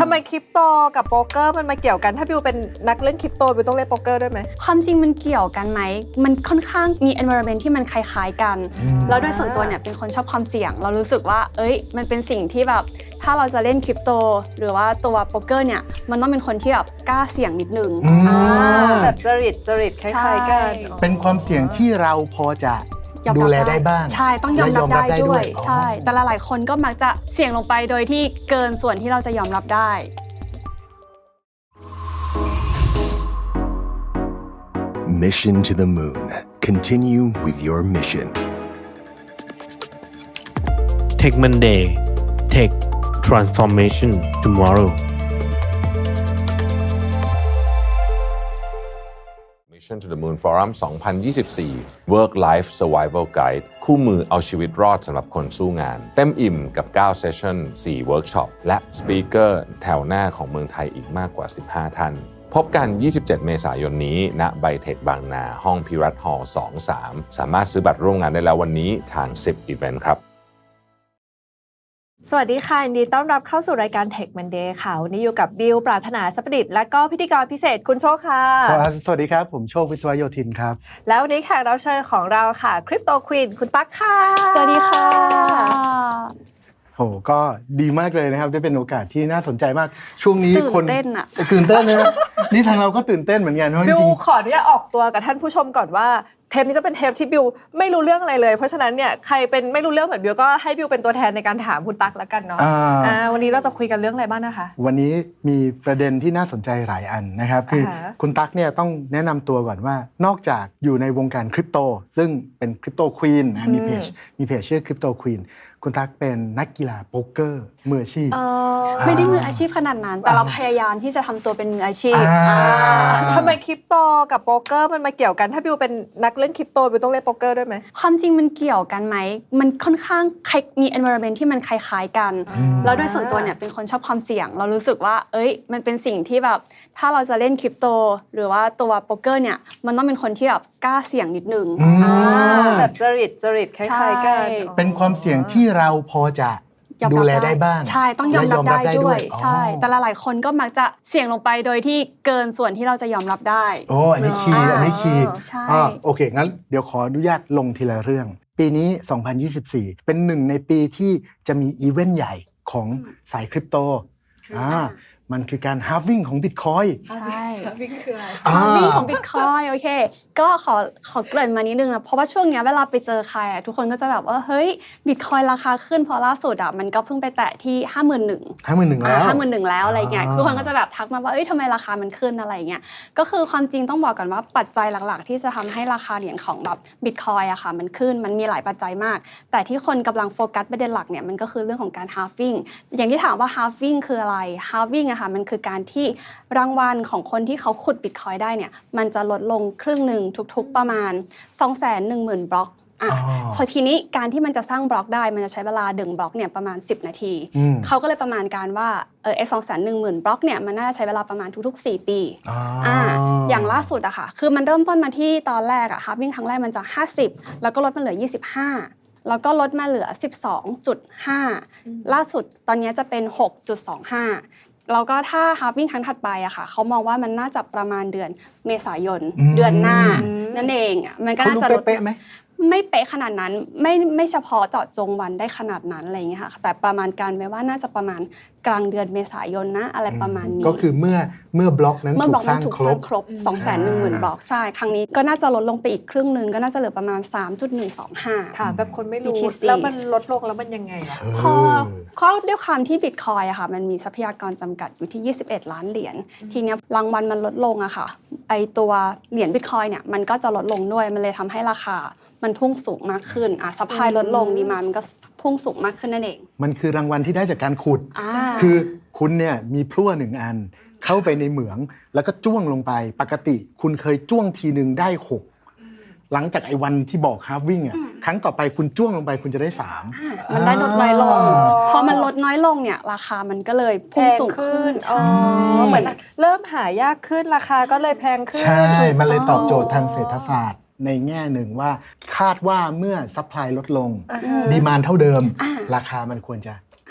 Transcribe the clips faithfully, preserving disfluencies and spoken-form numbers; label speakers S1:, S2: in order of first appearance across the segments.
S1: ทำไมคริปโตกับโป๊กเกอร์มันมาเกี่ยวกันถ้าบิวเป็นนักเล่นคริปโตบิวต้องเล่นโป๊กเกอร์ด้วยไหม
S2: ความจริงมันเกี่ยวกันไหมมันค่อนข้างมี environment ที่มันคล้ายๆกันแล้วโดยส่วนตัวเนี่ยเป็นคนชอบความเสี่ยงเรารู้สึกว่าเอ้ยมันเป็นสิ่งที่แบบถ้าเราจะเล่นคริปโตหรือว่าตัวโป๊กเกอร์เนี่ยมันต้องเป็นคนที่แบบกล้าเสี่ยงนิดนึง
S1: แบบจริตจริตคล้ายๆกัน
S3: เป็นความเสี่ยงที่เราพอจะดูแลได้บ้าง
S2: ใช่ต้องยอมรับได้ด้วยใช่แต่หลายๆคนก็มักจะเสี่ยงลงไปโดยที่เกินส่วนที่เราจะยอมรับได้
S4: Mission to the Moon. Continue with your mission.
S5: Tech Monday. Tech Transformation Tomorrow.
S6: Mission to the Moon Forum สองพันยี่สิบสี่ Work Life Survival Guide คู่มือเอาชีวิตรอดสำหรับคนสู้งานเต็มอิ่มกับเก้าเซสชั่น สี่เวิร์กช็อปและสปีกเกอร์แถวหน้าของเมืองไทยอีกมากกว่าสิบห้าท่านพบกัน ยี่สิบเจ็ด เมษายนนี้ณไบเทคบางนาห้องพิรัตน์ฮอลล์ สอง สาม สามารถซื้อบัตรร่วมงานได้แล้ววันนี้ทาง สิบ Event ครับ
S1: สวัสดีค่ะยินดีต้อนรับเข้าสู่รายการ Tech Monday ค่ะวันนี้อยู่กับบิวปรารถนาสัพดิษฐ์และก็พิธีกรพิเศษคุณโชคค่ะ
S3: สวัสดีครับผมโชควิศวโยธินครับ
S1: แล้ววันนี้แขกรับเชิญของเราค่ะคริปโตควีนคุณตั๊กค่ะ
S2: สวัสดีค่ะ
S3: โหก็ดีมากเลยนะครับได้เป็นโอกาสที่น่าสนใจมากช่วงนี้คน
S2: ตื่นเต้นอะ
S3: ตื่นเต้นนะนี่ทางเราก็ตื่นเต้นเหมือนกันเพราะจริง
S1: บิวขออนุญาตออกตัวกับท่านผู้ชมก่อนว่าเทปนี้จะเป็นเทปที่บิวไม่รู้เรื่องอะไรเลยเพราะฉะนั้นเนี่ยใครเป็นไม่รู้เรื่องเหมือนบิวก็ให้บิวเป็นตัวแทนในการถามคุณตั๊กแล้วกันเนาะอ่าวันนี้เราจะคุยกันเรื่องอะไรบ้างนะคะ
S3: วันนี้มีประเด็นที่น่าสนใจหลายอันนะครับคือคุณตั๊กเนี่ยต้องแนะนำตัวก่อนว่านอกจากอยู่ในวงการคริปโตซึ่งเป็นคริปโตควีนนะมีเพจมีเพจชื่อคริปโตควีนคุณตั๊กเป็นนักกีฬาโป๊กเกอร์มืออาชีพ
S2: ไม่ได้มืออาชีพขนาดนั้นแต่เราพยายามที่จะทำตัวเป็นมืออาชีพ
S1: ทำไมคริปโตกับโป๊กเกอร์มันมาเกี่ยวกันถ้าบิวเป็นนักเล่นคริปโตบิวต้องเล่นโป๊กเกอร์ด้วยไหม
S2: ความจริงมันเกี่ยวกันไหมมันค่อนข้างมี environment ที่มันคล้ายๆกันแล้วโดยส่วนตัวเนี่ยเป็นคนชอบความเสี่ยงเรารู้สึกว่าเอ้ยมันเป็นสิ่งที่แบบถ้าเราจะเล่นคริปโตหรือว่าตัวโป๊กเกอร์เนี่ยมันต้องเป็นคนที่แบบกล้าเสี่ยงนิดนึง
S1: แบบจริตจริตคล้ายๆกัน
S3: เป็นความเสี่ยงที่เราพอจะดูแลได้บ้าง
S2: ใช่ต้องยอมรับได้ด้วยใช่แต่หลายๆคนก็มักจะเสี่ยงลงไปโดยที่เกินส่วนที่เราจะยอมรับได้
S3: โอ้อันนี้คีย์อันนี้คีย์อ่าโอเคงั้นเดี๋ยวขออนุญาตลงทีละเรื่องปีนี้สองพันยี่สิบสี่เป็นหนึ่งในปีที่จะมีอีเวนต์ใหญ่ของสายคริปโตอ่ามันคือการ halving ของ Bitcoin
S2: ใช่
S1: halving คืออะไร
S2: halving ของ Bitcoin โอเคก็ขอขอเกริ่นมานิดนึงนะเพราะว่าช่วงนี้เวลาไปเจอใครอ่ะทุกคนก็จะแบบว่าเฮ้ย Bitcoin ราคาขึ้นพอล่าสุดอ่ะมันก็เพิ่งไปแตะที่ ห้าหมื่นหนึ่งพัน
S3: ห้าหมื่นหนึ่งพัน แล้ว
S2: ห้าหมื่นหนึ่งพัน แล้วอะไรเงี้ยทุกคนก็จะแบบทักมาว่าเอ้ยทำไมราคามันขึ้นอะไรเงี้ยก็คือความจริงต้องบอกก่อนว่าปัจจัยหลักๆที่จะทำให้ราคาเหรียญของแบบ Bitcoin อะค่ะมันขึ้นมันมีหลายปัจจัยมากแต่ที่คนกำลังโฟกัสประเด็นหลักเนี่ยมันก็คือเรื่องของการ halving อย่างที่ถามว่า halving คืออะไร halving อะค่ะมันคือการที่รางวัลของคนที่เขาขุด Bitcoin ได้เนี่ยมันจะลดลงครึ่งหนึ่งทุกๆประมาณ สองแสนหนึ่งหมื่น บล็อกอ่ะพอทีนี้การที่มันจะสร้างบล็อกได้มันจะใช้เวลาดึงบล็อกเนี่ยประมาณสิบนาทีเขาก็เลยประมาณการว่าเออไอ้ สองแสนหนึ่งหมื่น บล็อกเนี่ยมันน่าจะใช้เวลาประมาณทุกๆสี่ปีอ่าอย่างล่าสุดอะค่ะคือมันเริ่มต้นมาที่ตอนแรกอะค่ะวิ่งครั้งแรกมันจะห้าสิบแล้วก็ลดมาเหลือยี่สิบห้าแล้วก็ลดมาเหลือ สิบสองจุดห้า ล่าสุดตอนนี้จะเป็น หกจุดสองห้าแล้วก็ถ้าฮาร์ฟวิ่งครั้งถัดไปอะค่ะเขามองว่ามันน่าจะประมาณเดือนเมษายนเดือนหน้านั่นเองอะมันก็น่าจะลด
S3: เป๊ะไหม
S2: ไม่เป๊ะขนาดนั้นไม่ไม่เฉพาะเจาะจงวันได้ขนาดนั้นอะไรอย่างเงี้ยค่ะแต่ประมาณการไว้ว่าน่าจะประมาณกลางเดือนเมษายนนะอะไรประมาณนี้
S3: ก็คือเมื่อเมื่อบล็อกนั้นถูกสร้างครบ
S2: ครบ สองแสนหนึ่งหมื่น บล็อกใช่ครั้งนี้ก็น่าจะลดลงไปอีกครึ่งนึงก็น่าจะเหลือประมาณ สามจุดหนึ่งสองห้า
S1: ค่ะแบบคนไม่รู้แล้วมันลดลงแล้วมันยังไงล่ะ
S2: พอข้อด้วยความที่ Bitcoin อะค่ะมันมีทรัพยากรจำกัดอยู่ที่ยี่สิบเอ็ดล้านเหรียญทีเนี้ยรางวัลมันลดลงอะค่ะไอตัวเหรียญ Bitcoin เนี่ยมันก็จะลดลงด้วยมันเลยทำให้ราคามันพุ่งสูงมากขึ้นอ่ะซัพพลายลดลงดีมานด์มันก็พุ่งสูงมากขึ้นนั่นเอง
S3: มันคือรางวัลที่ได้จากการขุดคือคุณเนี่ยมีพลั่วหนึ่งอันเข้าไปในเหมืองแล้วก็จ้วงลงไปปกติคุณเคยจ้วงทีนึงได้หกหลังจากไอ้วันที่บอกฮาร์ฟวิ่งอ่ะครั้งต่อไปคุณจ้วงลงไปคุณจะได้สาม
S2: มันได้ลดน้อยลงพอมันลดน้อยลงเนี่ยราคามันก็เลยพุ่งสูงขึ้น
S1: อ๋อเหมือนเริ่มหายากขึ้นราคาก็เลยแพงขึ้น
S3: ใช่มันเลยตอบโจทย์ทางเศรษฐศาสตร์ในแง่หนึ่งว่าคาดว่าเมื่อซัพพลายลดลงดีมานด์เท่าเดิมราคามันควรจะข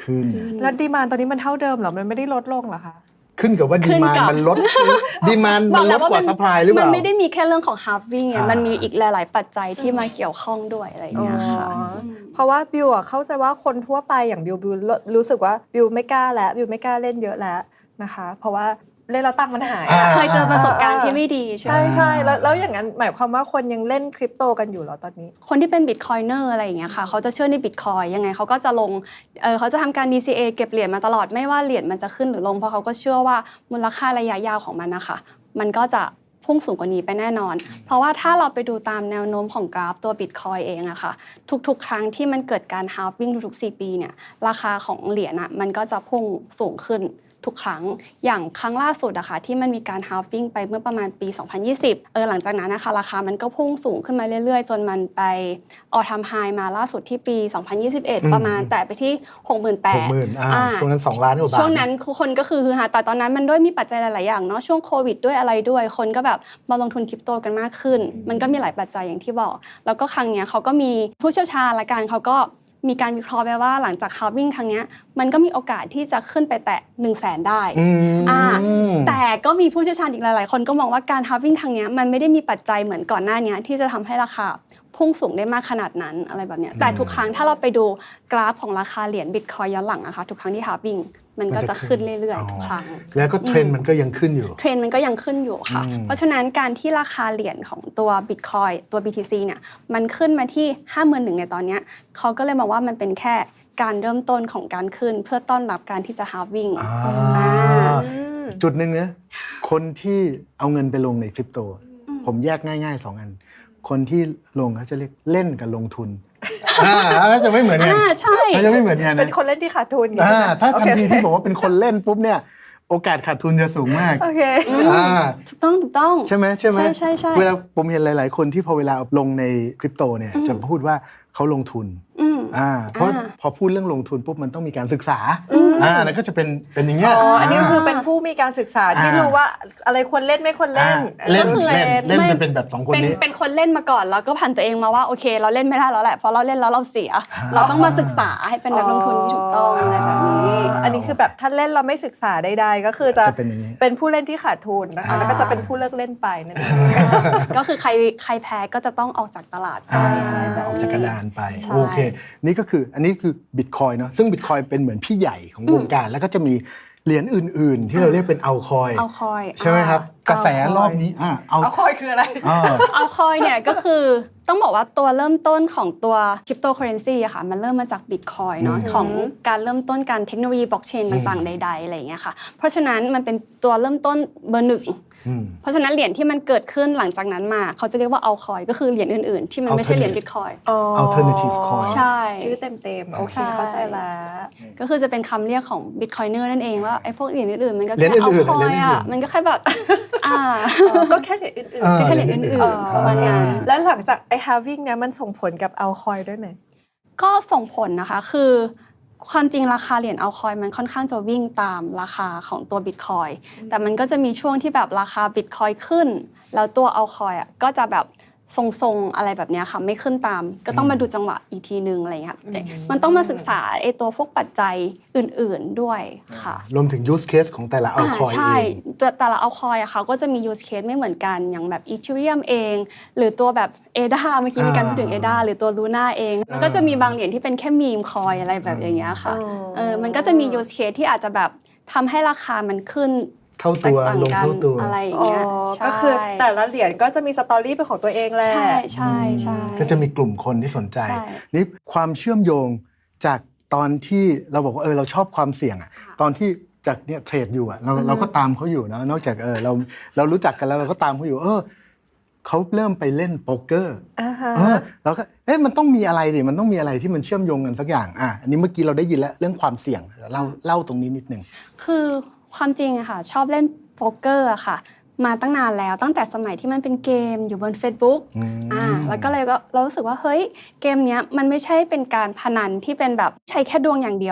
S3: ขึ้น
S1: แล้วดีมานด์ตอนนี้มันเท่าเดิมเหรอมันไม่ได้ลดลงเหรอคะ
S3: ขึ้นกับว่า
S2: ขึ้
S3: ดี
S2: น
S3: มาน
S2: กับ
S3: มันลดดีมาน
S2: บ
S3: มั
S2: อน ก
S3: ล
S2: แล้
S3: ด
S2: วว่าก
S3: ว่า
S2: มัน
S3: ซัพพลายหรือเป
S2: มั
S3: ล่า
S2: นไม่ได้มีแค่เรื่องของ halving ไง
S3: อ่ามั
S2: มันมีอีกหลาย ๆ ปัจจัยที่มาเกี่ยวข้องด้วยอะไรอย่างเงี้ยค่ะ
S1: อ๋อเพราะว่าบิวอะเข้าใจว่าคนทั่วไปอย่างบิวบิวรู้สึกว่าบิวไม่กล้าแล้วบิวไม่กล้าเล่นเยอะแล้วนะคะ เพราะว่าเล่นแล้วตังค์มันหาย
S3: อ่า
S2: เคยเจอประสบการณ์ที่ไม่ดีใช่ไหม
S1: ใช่ใช่แล้วแล้วอย่างนั้นหมายความว่าคนยังเล่นคริปโตกันอยู่เหรอตอนนี้
S2: คนที่เป็นบิตคอยเนอร์อะไรอย่างเงี้ยค่ะเขาจะเชื่อในบิตคอยยังไงเขาก็จะลงเออเขาจะทำการ ดี ซี เอ เก็บเหรียญมาตลอดไม่ว่าเหรียญมันจะขึ้นหรือลงเพราะเขาก็เชื่อว่ามูลค่าระยะยาวของมันนะคะมันก็จะพุ่งสูงกว่านี้ไปแน่นอน เพราะว่าถ้าเราไปดูตามแนวโน้มของกราฟตัว Bitcoin เองอะค่ะทุกๆ ครั้งที่มันเกิดการ halving ทุกๆสี่ปีเนี่ยราคาของเหรียญอะมันก็จะพุ่งสูงขึ้นทุกครั้งอย่างครั้งล่าสุดอะค่ะที่มันมีการ halving ไปเมื่อประมาณปีสองพันยี่สิบเออหลังจากนั้นนะคะราคามันก็พุ่งสูงขึ้นมาเรื่อยๆจนมันไป all time high มาล่าสุดที่ปีสองพันยี่สิบเอ็ด
S3: อืม
S2: ประมาณแต่ไปที่ หกหมื่นแปดพัน
S3: หกหมื่นอ่าช่วงนั้นสองล้านกว่าบาท
S2: ช่วงนั้นคนก็คือฮือฮาแต่ตอนนั้นมันด้วยมีปัจจัยหลายๆอย่างเนาะช่วงโควิดด้วยอะไรด้วยคนก็แบบมาลงทุนคริปโตกันมากขึ้น มันก็มีหลายปัจจัยอย่างที่บอกแล้วก็ครั้งเนี้ยเขาก็มีผู้เชี่ยวชาญละกันเขาก็มีการวิเคราะห์ไปว่าหลังจาก halving ครั้งเนี้ยมันก็มีโอกาสที่จะขึ้นไปแตะ หนึ่งแสน ได้
S3: อืม
S2: อ่าแต่ก็มีผู้เชี่ยวชาญอีกหลายๆคนก็มองว่าการ halving ครั้งเนี้ยมันไม่ได้มีปัจจัยเหมือนก่อนหน้านี้ที่จะทำให้ราคาพุ่งสูงได้มากขนาดนั้นอะไรแบบเนี้ยแต่ทุกครั้งถ้าเราไปดูกราฟของราคาเหรียญ Bitcoin ย้อนหลังนะคะทุกครั้งที่ halving มันก็จะขึ้นเรื่อยๆทุกครั้ง
S3: แล้วก็เทรนด์มันก็ยังขึ้นอยู่
S2: เทรนด์มันก็ยังขึ้นอยู่ค่ะ
S3: อืม
S2: เพราะฉะนั้นการที่ราคาเหรียญของตัว Bitcoin ตัว บี ที ซี เนี่ยมันขึ้นมาที่ ห้าหมื่นหนึ่ง ในตอนเนี้ยเขาก็เลยมองว่ามันเป็นแค่การเริ่มต้นของการขึ้นเพื่อต้อนรับการที่จะ halving
S3: อ่า
S2: อ่า
S3: จุดหนึ่งนะคนที่เอาเงินไปลงในคริปโต ผมแยกง่ายๆสองอัน คนที่ลงเขาจะเรียกเล่นกับลงทุนอ่าก็จะไม่เหมือนกัน
S2: อ่าใช่
S3: เขาจะไม่เหมือนกัน
S1: เป็น
S3: นะ
S1: คนเล่นที่ขาดทุน
S3: อ่าถ้าทันที
S1: โอเค
S3: ที่บอกว่าเป็นคนเล่นปุ๊บเนี่ยโอกาสขาดทุนจะสูงมาก
S1: โอเค
S3: อ่า
S2: ถูกต้องถูกต้อง
S3: ใช่ไหมใช่ไหม
S2: ใช่ใช่ใช่
S3: เวลาผมเห็นหลาย ๆ คนที่พอเวลาลงในคริปโตเนี่ย
S2: อืม
S3: จะพูดว่าเขาลงทุน
S2: อืม
S3: อ่าเพราะ
S2: อ่า
S3: พอพูดเรื่องลงทุนปุ๊บมันต้องมีการศึกษาอ่าแล้วก็จะเป็นเป็นอย่างเงี้ย
S1: อ๋อ อันนี้คือเป็นผู้มีการศึกษาที่
S3: อ่ารู้
S1: รู้ว่าอะไรควรเล่นไม่ควรเล่น
S3: อ่าเล่น
S1: ก็คือ
S3: เล่นเล่น
S2: ไม่
S3: จะเป็นแบบสองคน
S2: เป็น
S3: นี้
S2: เป็นคนเล่นมาก่อนแล้วก็ผ่านตัวเองมาว่าโอเค เราเล่นไม่ได้แล้วแหละเพราะเราเล่นแล้วเราเสีย
S3: อ่า
S2: เราต้องมาศึกษาให้เป็นนักลงทุนที่ถูกต้องอะไรแบบนี้
S1: อันนี้คือแบบถ้าเล่นเราไม่ศึกษาใดๆก็คือจะ
S3: จะเป็นอย่างนี้
S1: เป็นผู้เล่นที่ขาดทุนนะคะ
S2: อ่า
S1: แล้วก็จะเป็นผู้เลิกเล่นไปนั่นเอง
S2: ก็คือใครใครแพ้ก็จะต้องออกจากตลาดไป
S3: อ่า
S2: อะไรแบบ
S3: ออก
S2: นี้
S3: จากกระดานไป
S2: ใช่
S3: โอเค นี่ก็คืออันนี้คือบิตคอยเนาะซึ่งบิตคอยเป็นเหมือนพี่ใหญ่ของวงการ แล้วก็จะมีเหรียญอื่น ๆ ที่เราเรียกเป็นเอาคอย
S2: เอาคอย
S3: ใช่ไหมครับ
S2: อ่าก
S3: ระแสรอบนี้อ่าเอา
S1: เอาคอยคืออะไร
S3: อ่า
S2: เอาคอยเนี่ยก็คือต้องบอกว่าตัวเริ่มต้นของตัวคริปโตเคอเรนซีอะค่ะมันเริ่มมาจากบิตคอยเนาะ
S3: อืม
S2: ของการเริ่มต้นการเทคโนโลยีบล็อกเชนต่างๆ ใด ๆ อะไรอย่างเงี้ยค่ะเพราะฉะนั้นมันเป็นตัวเริ่มต้นเบอร์หนึ่ง
S3: อืม
S2: เพราะฉะนั้นเหรียญที่มันเกิดขึ้นหลังจากนั้นมาเขาจะเรียกว่าเอาคอยก็คือเหรียญอื่นๆ ที่มันไม่ใช่เหรียญบิตคอย
S1: อ๋อ
S3: alternative coin
S2: ใช่
S1: ชื่อเต็มๆ โอเค
S2: ใช่
S1: เข้าใจแล้ว
S2: ก็คือจะเป็นคำเรียกของบิตคอยเนอร์นั่นเองว่าไอ้พวกเหรียญอื่นๆมันก็
S3: เหรีย
S2: แค่
S3: ญ
S2: เอา
S3: อื่นๆ
S2: คอย
S3: เหรียญอื่
S2: อะ
S3: นๆ
S2: มันก็แค่แบบอ่า
S1: ก็แค่เหรียญอื่น
S3: เออ
S2: ก็แค่เหรียญอื่น
S1: อ๋อ
S2: ๆประมาณนั้น
S1: แล้วหลังจากไอ้ halving เนี่ยมันส่งผลกับเอาคอยด้วยไหม
S2: ก็ส่งผลนะคะคือความจริงราคาเหรียญเอาคอยมันค่อนข้างจะวิ่งตามราคาของตัวบิตคอยแต่มันก็จะมีช่วงที่แบบราคาบิตคอยขึ้น แล้วตัวเอาคอยอ่ะก็จะแบบทรงๆอะไรแบบเนี้ยค่ะไม่ขึ้นตาม ก็ต้องมาดูจังหวะอีกทีนึงอะไรอย่างเงี้ยค่ะแต่มันต้องมาศึกษาไอ้ตัวพวกปัจจัยอื่นๆด้วยค่ะ
S3: รวมถึง use case ของแต่ละเอาคอย
S2: ใช่
S3: เอง
S2: ตัวแต่ละเอาคอยอะค่ะก็จะมี use case ไม่เหมือนกันอย่างแบบ Ethereum เอง หรือตัวแบบ เอ ดี เอ เมื่อกี้มีการพูดถึง เอ ดี เอ หรือตัว Luna เองมันก็จะมีบางเหรียญที่เป็นแค่มีมคอยอะไรแบบอย่างเงี้ยค่ะ
S1: อ๋อ
S2: เออมันก็จะมี use case ที่อาจจะแบบทำให้ราคามันขึ้น
S3: เท่าตัว
S2: แตกต่าง
S3: ลง
S2: กัน
S3: เท่าตัว
S2: อะไรอย่าง
S1: อ๋อ
S2: เงี้ยใช่
S1: ก็คือแต่ละเหรียญก็จะมีสตอรี่เป็นของตัวเองแหละ
S2: ใช่ใช่ใช่
S3: ก็จะมีกลุ่มคนที่สนใจ
S2: ใช่
S3: นี่ความเชื่อมโยงจากตอนที่เราบอกว่าเออเราชอบความเสี่ยงอะตอนที่จากเนี่ยเทรดอยู่อะเราเราก็ตามเขาอยู่นะนอกจากเออเราเรารู้จักกันแล้วเราก็ตามเขาอยู่เออเขาเริ่มไปเล่นโป๊กเกอร์
S1: อ่าฮะ
S3: เออเราก็เอ๊ะมันต้องมีอะไรดิมันต้องมีอะไรที่มันเชื่อมโยงกันสักอย่างอ่ะอันนี้เมื่อกี้เราได้ยินแล้วเรื่องความเสี่ยงเล่าเล่าตรงนี้นิดนึง
S2: คือความจริงอะค่ะชอบเล่นโป๊กเกอร์อะค่ะมาตั้งนานแล้วตั้งแต่สมัยที่มันเป็นเกมอยู่บน Facebook
S3: อืม
S2: อ่าแล้วก็เลยก็เรารู้สึกว่าเฮ้ยเกมเนี้ยมันไม่ใช่เป็นการพนันที่เป็นแบบใช้แค่ดวงอย่างเดียวอะ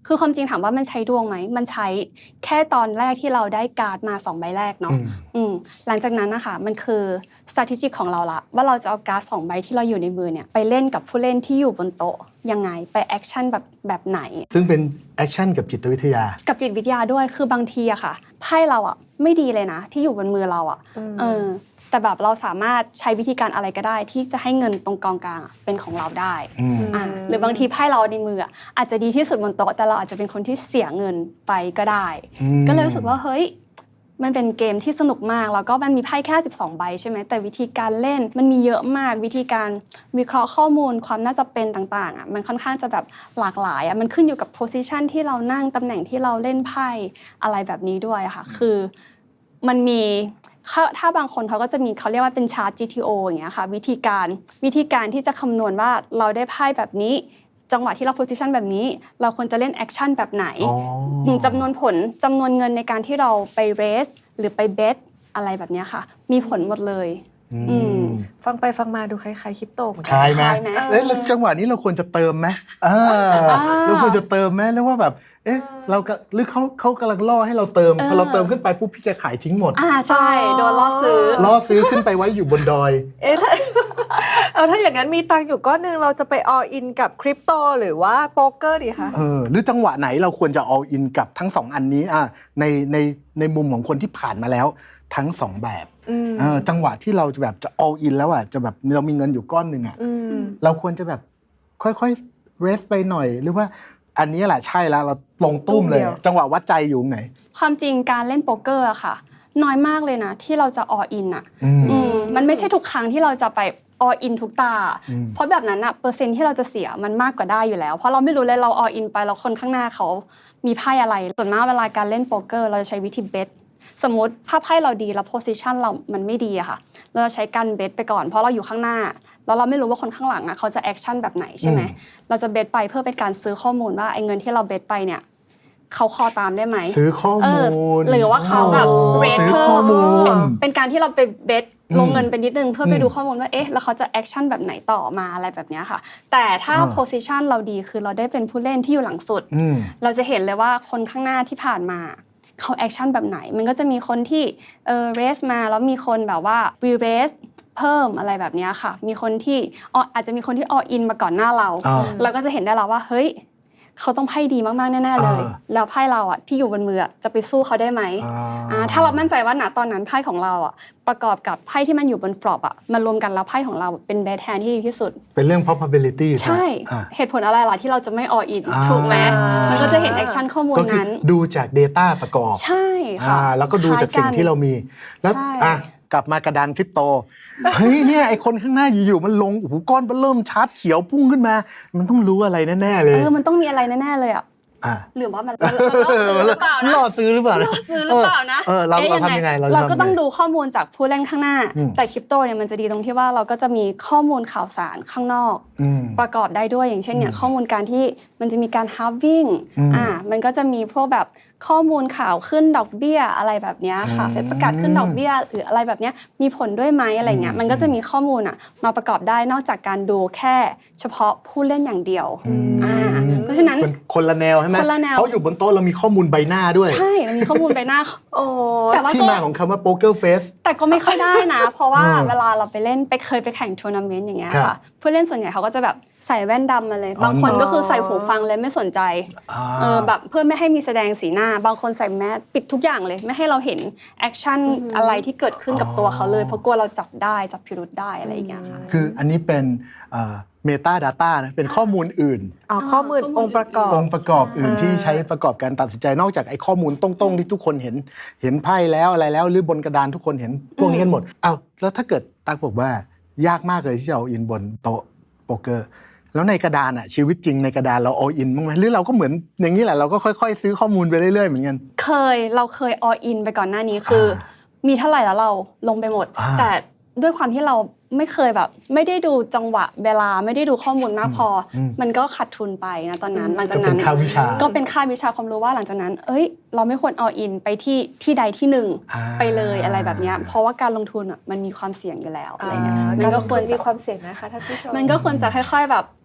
S2: คือความจริงถามว่ามันใช้ดวงไหมมันใช้แค่ตอนแรกที่เราได้การ์ดมาสองใบแรกเนาะอืมหลังจากนั้นนะคะมันคือ strategy ของเราละว่าเราจะเอาการ์ดสองใบที่เราอยู่ในมือเนี่ยไปเล่นกับผู้เล่นที่อยู่บนโต๊ะยังไงไปแอคชั่นแบบแบบไหน
S3: ซึ่งเป็นแอคชั่นกับจิตวิทยา
S2: กับจิตวิทยาด้วยคือบางทีอะค่ะไพ่เราอะไม่ดีเลยนะที่อยู่บนมือเราอะเออแต่แบบเราสามารถใช้วิธีการอะไรก็ได้ที่จะให้เงินตรงกองกลางเป็นของเราได้อ่าหรือบางทีไพ่เราในมืออาจจะดีที่สุดบนโต๊ะแต่เราอาจจะเป็นคนที่เสียเงินไปก็ได้ก็เลยรู้สึกว่าเฮ้ยมันเป็นเกมที่สนุกมากแล้วก็มันมีไพ่แค่สิบสองใบใช่ไหมแต่วิธีการเล่นมันมีเยอะมากวิธีการวิเคราะห์ข้อมูลความน่าจะเป็นต่างๆอ่ะมันค่อนข้างจะแบบหลากหลายอ่ะมันขึ้นอยู่กับโพสิชันที่เรานั่งตำแหน่งที่เราเล่นไพ่อะไรแบบนี้ด้วยค่ะคือมันมีถ้าบางคนเขาก็จะมีเขาเรียกว่าเป็นชาร์ต จี ที โอ อย่างเงี้ยค่ะวิธีการวิธีการที่จะคำนวณว่าเราได้ไพ่แบบนี้จังหวะที่เราโพสิชันแบบนี้เราควรจะเล่นแอคชั่นแบบไหนจำนวนผลจำนวนเงินในการที่เราไปเรสหรือไปเบทอะไรแบบนี้ค่ะมีผลหมดเลย
S1: ฟังไปฟังมาดูคล้ายๆคริปโตเหมือนกั
S3: นคล้ายไหมแล้วจังหวะนี้เราควรจะเติมไหมเราควรจะเติมไหมแล้วว่าแบบเอ๊ะเราหรือเขาเขากำลังล่อให้เราเติมพอเราเติมขึ้นไปปุ๊บพี่จะขายทิ้งหมด
S2: อ่าใช่โดนล่อซื้อ
S3: ล่อซื้อขึ้นไปไว้อยู่บนดอย
S1: เอ๊ะถ้าเอาถ้าอย่างนั้นมีตังค์อยู่ก้อนนึงเราจะไป all in กับคริปโตหรือว่าโป๊กเกอร์ดีคะ
S3: เออหรือจังหวะไหนเราควรจะ all in กับทั้งสองอันนี้อ่ะในในในมุมของคนที่ผ่านมาแล้วทั้งสองแบบเออจังหวะที่เราจะแบบจะ all in แล้วอ่ะจะแบบเรามีเงินอยู่ก้อนนึงอ่ะเราควรจะแบบค่อยๆ rest ไปหน่อยหรือว่าอันนี้แหละใช่แล้วเราลงตุ้มเลยจังหวะวัดใจอยู่ไหน
S2: ความจริงการเล่นโป๊กเกอร์อะค่ะน้อยมากเลยนะที่เราจะ all in อะมันไม่ใช่ทุกครั้งที่เราจะไป all in ทุกตาเพราะแบบนั้นอะเปอร์เซ็นต์ที่เราจะเสียมันมากกว่าได้อยู่แล้วเพราะเราไม่รู้เลยเรา all in ไปแล้วคนข้างหน้าเขามีไพ่อะไรส่วนมากเวลาการเล่นโป๊กเกอร์เราจะใช้วิธีเบทสมมติถ้าไพ่เราดีแล้วโพสิชันเรามันไม่ดีอะค่ะเราจะใช้การเบทไปก่อนเพราะเราอยู่ข้างหน้าแล้วเราไม่รู้ว่าคนข้างหลังอะเขาจะแอคชั่นแบบไหนใช่ไหมเราจะเบทไปเพื่อเป็นการซื้อข้อมูลว่าไอ้เงินที่เราเบทไปเนี่ยเขาคอตามได้ไหม
S3: ซื้อข้อมูล
S2: หรือว่าเขาแบบเรทเพิ่มเป็นการที่เราไปเบทลงเงินไปนิดนึงเพื่อไปดูข้อมูลว่าเอ๊ะแล้วเขาจะแอคชั่นแบบไหนต่อมาอะไรแบบนี้ค่ะแต่ถ้าโพสิชันเราดีคือเราได้เป็นผู้เล่นที่อยู่หลังสุดเราจะเห็นเลยว่าคนข้างหน้าที่ผ่านมาเขาแอคชั่นแบบไหนมันก็จะมีคนที่เออเรสมาแล้วมีคนแบบว่ารีเรสเพิ่มอะไรแบบนี้ค่ะมีคนที่อาจจะมีคนที่ออินมาก่อนหน้าเราเราก็จะเห็นได้แล้วว่าเฮ้ยเขาต้องไพ่ดีมากๆแน่ๆเลยแล้วไพ่เราอ่ะที่อยู่บนมือจะไปสู้เขาได้ไหมถ้าเรามั่นใจว่าณตอนนั้นไพ่ของเราอ่ะประกอบกับไพ่ที่มันอยู่บนฟลอปอ่ะมันรวมกันแล้วไพ่ของเราเป็นแบทแฮนด์ที่ดีที่สุด
S3: เป็นเรื่อง probability
S2: ใช่เหตุผลอะไรล่ะที่เราจะไม่ออินถูกไหมมันก็จะเห็นแอคชั่นข้อมูลนั้น
S3: ดูจาก data ประกอบ
S2: ใช่ค่ะ
S3: แล้วก็ดูจากสิ่งที่เรามีแล้วอ่ะกลับมากระดานคริปโตเฮ้ยเนี่ยไอคนข้างหน้าอยู่ๆมันลงโอ้โหก้อนเริ่มชาร์จเขียวพุ่งขึ้นมามันต้องรู้อะไรแน่ๆเลย
S2: เออมันต้องมีอะไรแน่ๆเลยอ่ะหรือว่ามัน
S3: ล่อซื้อหรือเปล่านะ
S2: ล่อซื้อหรือเปล่านะ
S3: เออเราเราทำยังไง
S2: เราก็ต้องดูข้อมูลจากผู้เล่นข้างหน้าแต่คริปโตเนี่ยมันจะดีตรงที่ว่าเราก็จะมีข้อมูลข่าวสารข้างนอกประกอบได้ด้วยอย่างเช่นเนี่ยข้อมูลการที่มันจะมีการฮาล์ฟวิ่งอ่ามันก็จะมีพวกแบบข้อมูลข่าวขึ้นดอกเบี้ยอะไรแบบนี้ค่ะเฟดประกาศขึ้นดอกเบี้ยหรืออะไรแบบนี้มีผลด้วยไหมอะไรเงี้ยมันก็จะมีข้อมูลอ่ะมาประกอบได้นอกจากการดูแค่เฉพาะผู้เล่นอย่างเดียวอ่าเพราะฉะนั้น
S3: คนละแนวใช่ไหมเพราะอยู่บนโต๊ะเรามีข้อมูลใบหน้าด้วย
S2: ใช่เรามีข้อมูลใบหน้าโอ้
S3: แต่ว่าที่มาของคำว่า poker face
S2: แต่ก็ไม่ค่อยได้นะเพราะว่าเวลาเราไปเล่นไปเคยไปแข่งทัวร์นาเมนต์อย่างเงี้ยค่ะผู้เล่นส่วนใหญ่เขาก็จะแบบใส่แว่นดำมาเลยบางคนก็คือใส่หูฟังเลยไม่สนใจเออแบบเพื่อไม่ให้มีแสดงสีหน้าบางคนใส่แมสปิดทุกอย่างเลยไม่ให้เราเห็นแอคชั่นอะไรที่เกิดขึ้นกับตัวเขาเลยเพราะกลัวเราจับได้จับพิรุธได้อะไรอย่างเงี้ยค่ะ
S3: คืออันนี้เป็นเมตา data นะเป็นข้อมูลอื่น
S1: อ๋อข้อมูลองค์ประกอบ
S3: องค์ประกอบอื่นที่ใช้ประกอบการตัดสินใจนอกจากไอ้ข้อมูลตรงๆที่ทุกคนเห็นเห็นไพ่แล้วอะไรแล้วหรือบนกระดานทุกคนเห็นพวกนี้กันหมดอ้าวแล้วถ้าเกิดตั๊กบอกว่ายากมากเลยที่จะเอาอินบนโต๊ะโป๊กเกอร์แล้วในกระดานอ่ะชีวิตจริงในกระดานเราออินบ้างไหมหรือเราก็เหมือนอย่างนี้แหละเราก็ค่อยๆซื้อข้อมูลไปเรื่อยๆเหมือนกัน
S2: เคยเราเคยออินไปก่อนหน้านี้คือมีเท่าไหร่แล้วเราลงไปหมดแต่ด้วยความที่เราไม่เคยแบบไม่ได้ดูจังหวะเวลาไม่ได้ดูข้อมูลมากพอมันก็ขาดทุนไปนะตอนนั้นหลังจากนั้นก็เป็นค่าวิชาก็เป็นค่าวิชาความรู้ว่าหลังจากนั้นเอ้ยเราไม่ควรออินไปที่ที่ใดที่หนึ่งไปเลยอะไรแบบนี้เพราะว่าการลงทุนอ่ะมันมีความเสี่ยงอยู่แล้วอะไรเงี้ย
S1: มันก็ควรมีความเสี่ยงนะคะท่านผู้ชม
S2: มันก็ควรจะค่อยๆแบบ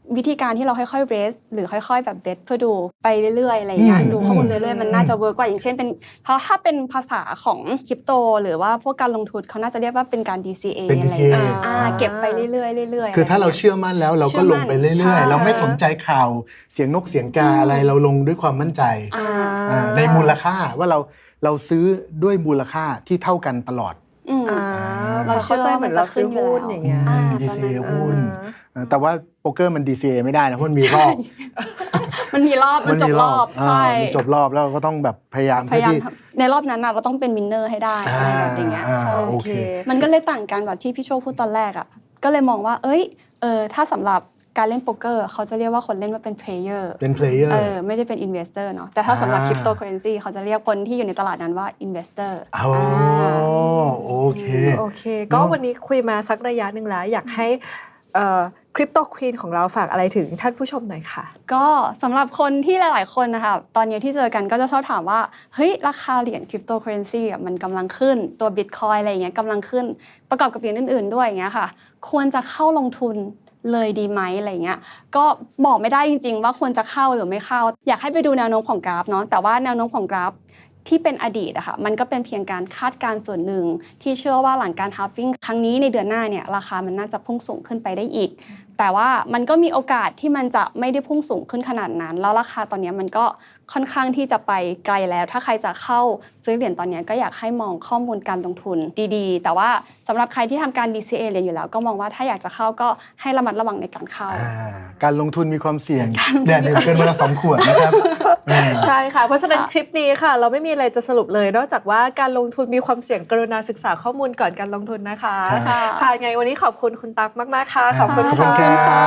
S2: วิธีการที่เราค่อยๆ raise หรือค่อยๆแบบ bet เพื่อดูไปเรื่อยๆอะไรอย่างเงี้ย
S3: อืม
S2: ดูข้อมูลไปเรื่อยๆมันน่าจะเวิร์กกว่าอย่างเช่นเป็นเพราะถ้าเป็นภาษาของคริปโตหรือว่าพวกการลงทุนเขาน่าจะเรียกว่าเป็นการ ดี ซี เอ
S3: เป็น
S2: อะไร
S3: ดี ซี เอ
S2: อย่างเงี้ยอ่าเก็บไปเรื่อยๆเรื่อยๆ
S3: คือถ้าเรา
S2: ะไย่งงี้ย
S3: เชื่อมั่นแล้วเราก็ลงไปเรื่
S2: ใช่
S3: อยๆ เราไม่สนใจข่าวเสียงนกเสียงกาอะไรเราลงด้วยความมั่นใจ
S2: อ่า
S3: อ่าในมูลค่าว่าเราเราซื้อด้วยมูลค่าที่เท่ากันตลอด
S2: อืม
S1: อ่า
S2: เรา
S1: เรา
S2: เชื่
S1: เข้า
S2: อ
S1: ใจ
S2: ว่า
S1: เหมือน
S2: มันจะ
S1: เราซื้อ
S2: ขึ้นอยู่
S1: หุ้น
S2: แล้ว
S1: อย่างเงี้ย
S2: อ่า
S3: ดี ซี เอ
S2: ประมาณนั้น
S3: หุ้นเออแต่ว่าโป๊กเกอร์มัน ดี ซี เอ ไม่ได้นะเพราะมันมีรอบ
S2: มันมีรอบมันจบรอบ
S3: า
S2: ใช่
S3: มันจบรอบแล้วเราก็ต้องแบบพยายาม
S2: พยายาม
S3: เพื่อที่
S2: ทำในรอบนั้นน่ะเราต้องเป็นวินเนอร์ให้ได้อะไรแบบอย่างเงี้ย
S3: อ่า
S2: ใช่
S3: โอเค
S2: มันก็เลยต่างกันแบบที่พี่โชคพูดตอนแรกอ่ะก็เลยมองว่าเอ้ยเออถ้าสำหรับการเล่นโป๊กเกอร์เขาจะเรียกว่าคนเล่นว่าเป็น player
S3: เป็น player
S2: เออไม่ได้เป็น investor เนาะแต่ถ้าสำหรับ
S3: อ่า
S2: cryptocurrency เขาจะเรียกคนที่อยู่ในตลาดนั้นว่า investor
S3: อ๋อโอเค
S1: โอเค ก็วันนี้คุยมาสักระยะหนึ่งแล้ว อยากให้คริปโตควีนของเราฝากอะไรถึงท่านผู้ชมหน่อยค่ะ
S2: ก็สำหรับคนที่หลาย ๆ คนนะคะตอนนี้ที่เจอกันก็จะชอบถามว่าเฮ้ยราคาเหรียญคริปโตเคอเรนซีอ่ะมันกำลังขึ้นตัวบิตคอยอะไรอย่างเงี้ยกำลังขึ้นประกอบกับเหรียญอื่น ๆ ด้วยอย่างเงี้ยค่ะควรจะเข้าลงทุนเลยดีไหมอะไรเงี้ยก็บอกไม่ได้จริง ๆ ว่าควรจะเข้าหรือไม่เข้าอยากให้ไปดูแนวโน้มของกราฟเนาะแต่ว่าแนวโน้มของกราฟที่เป็นอดีตอะค่ะมันก็เป็นเพียงการคาดการณ์ส่วนหนึ่งที่เชื่อว่าหลังการฮาล์ฟิ้งครั้งนี้ในเดือนหน้าเนี่ยราคามันน่าจะพุ่งสูงขึ้นไปได้อีกแต่ว่ามันก็มีโอกาสที่มันจะไม่ได้พุ่งสูงขึ้นขนาดนั้นแล้วราคาตอนนี้มันก็ค่อนข้างที่จะไปไกลแล้วถ้าใครจะเข้าซื้อเหรียญตอนนี้ก็อยากให้มองข้อมูลการลงทุนดีๆแต่ว่าสำหรับใครที่ทำการ ดี ซี เอ เหรียญอยู่แล้วก็มองว่าถ้าอยากจะเข้าก็ให้ระมัดระวังในการเข้า
S3: อ่าการลงทุนมีความเสี่ยงแดดเดือดเกินเวลาสองขวดนะครับอืม
S1: ใช่ค่ะ เพราะฉะนั้นคลิปนี้ค่ะ เราไม่มีอะไรจะสรุปเลย นอกจากว่าการลงทุนมีความเสี่ยงกรุณาศึกษาข้อมูลก่อนการลงทุนนะคะ
S3: ครับ
S1: ค่ะไงวันนี้ขอบคุณคุณตั๊กมากๆค่ะ ขอบคุณ
S3: ขอบคุณ
S1: ค่ะ
S3: ครับ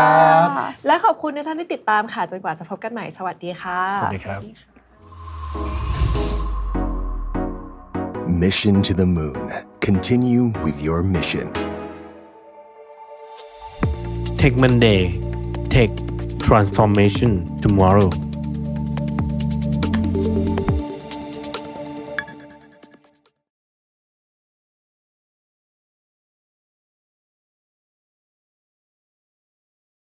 S1: และขอบคุณทุกท่านที่ติดตามค่ะจนกว่าจะพบกันใหม่สวัสดีค่ะ
S3: สวัสดีครับ
S4: Mission to the Moon. Continue with your mission.
S5: Tech Monday Tech Transformation Tomorrow